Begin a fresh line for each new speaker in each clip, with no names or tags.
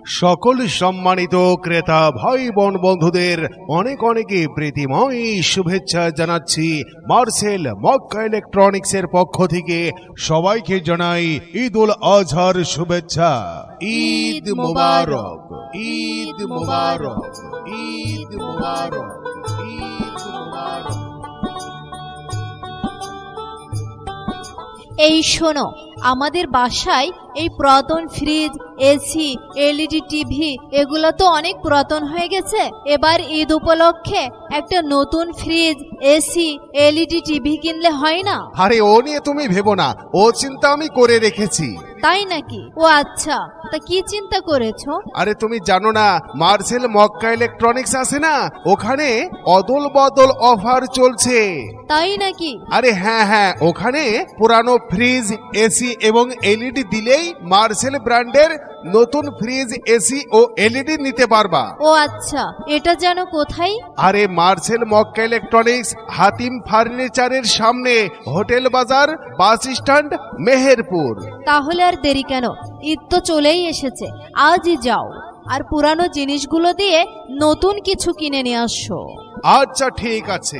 সকল সম্মানিত ক্রেতা ভাই বোন বন্ধুদের অনেক অনেক প্রীতিময় শুভেচ্ছা জানাচ্ছি মার্সেল মক্কা ইলেকট্রনিক্সের পক্ষ থেকে। সবাইকে জানাই ঈদুল আজহার শুভেচ্ছা। ঈদ মুবারক, ঈদ মুবারক, ঈদ মুবারক, ঈদ মুবারক।
এই শোনো, আমাদের বাসায় এই পুরাতন ফ্রিজ, এসি, এলইডি টিভি এগুলো তো অনেক পুরাতন হয়ে গেছে। এবার ঈদ উপলক্ষে একটা নতুন ফ্রিজ, এসি, এলইডি টিভি কিনলে হয় না?
আরে ও নিয়ে তুমি ভেবো না, ও চিন্তা আমি করে রেখেছি।
তাই নাকি? ও আচ্ছা, তা কি চিন্তা করেছো?
আরে তুমি জানো না, মার্সেল মক্কা ইলেকট্রনিক্স আছে না, ওখানে অদল বদল অফার চলছে।
তাই নাকি?
আরে হ্যাঁ, ওখানে পুরানো ফ্রিজ, এসি এবং এলইডি দিলেই মার্সেল ব্র্যান্ডের নতুন ফ্রিজ, এসি ও এলইডি নিতে পারবা।
ও আচ্ছা, এটা যেন কোথায়?
আরে মার্সেল মক্কা ইলেকট্রনিক্স হাতিম ফার্নিচারের সামনে, হোটেল বাজার, বাস স্ট্যান্ড, মেহেরপুর।
তাহলে আর দেরি কেন? ঈদ তো চলেই এসেছে, আজই যাও আর পুরানো জিনিসগুলো দিয়ে নতুন কিছু কিনে নিয়ে আসো।
আচ্ছা ঠিক আছে।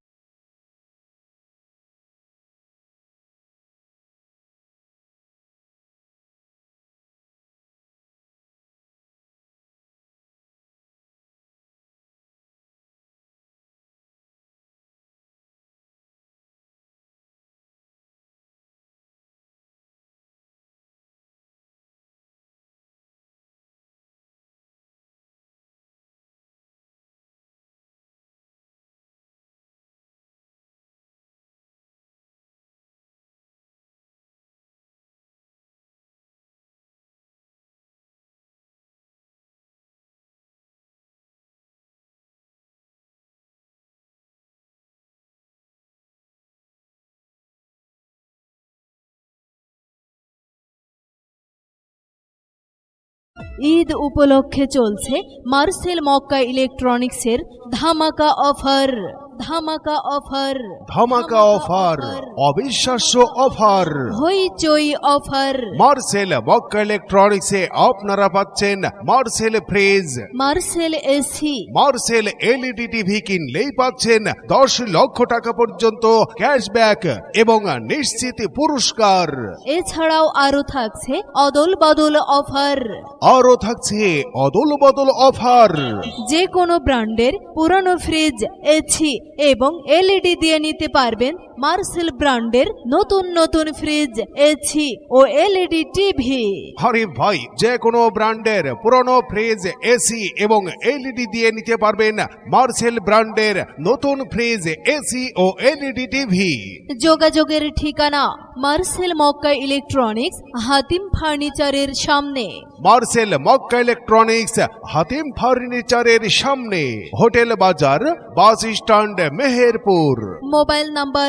ঈদ উপলক্ষে চলছে মার্সেল মক্কা ইলেকট্রনিক্সের ধামাকা অফার। ধামাকা অফার,
ধামাকা অফার, অবিশ্বাস্য অফার,
হইচই অফার।
মার্সেল মক্কা ইলেকট্রনিক্সে আপনারা পাচ্ছেন Marcel fridge,
Marcel AC,
Marcel LED TV কিনলেই পাচ্ছেন 10 লক্ষ টাকা পর্যন্ত ক্যাশব্যাক এবং নিশ্চিত পুরস্কার।
এছাড়াও আরো থাকছে অদল বদল অফার।
আরো থাকছে অদল বদল অফার।
যে কোনো ব্র্যান্ডের পুরানো ফ্রিজ, এসি এবং এলইডি দিয়ে নিতে পারবেন মার্সেল ব্র্যান্ডের নতুন নতুন ফ্রিজ, এসি ও এলইডি টিভি।
আরে ভাই, যে কোনো ব্র্যান্ডের পুরনো ফ্রিজ, এসি এবং এলইডি দিয়ে নিতে পারবেন মার্সেল ব্র্যান্ডের নতুন ফ্রিজ, এসি ও এলইডি টিভি।
যোগাযোগের ঠিকানা মার্সেল মক্কা ইলেকট্রনিক্স হাতিম ফার্নিচারের সামনে।
মার্সেল মক্কা ইলেকট্রনিক্স হাতিম ফার্নিচারের সামনে, হোটেল বাজার, bus stand, Meherpur.
Mobile number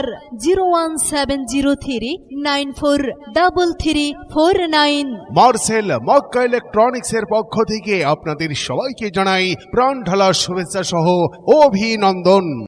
01703943349।
Marcel Makka electronics এর পক্ষ থেকে আপনাদের সবাইকে জানাই প্রাণ ঢালা শুভেচ্ছা সহ অভিনন্দন।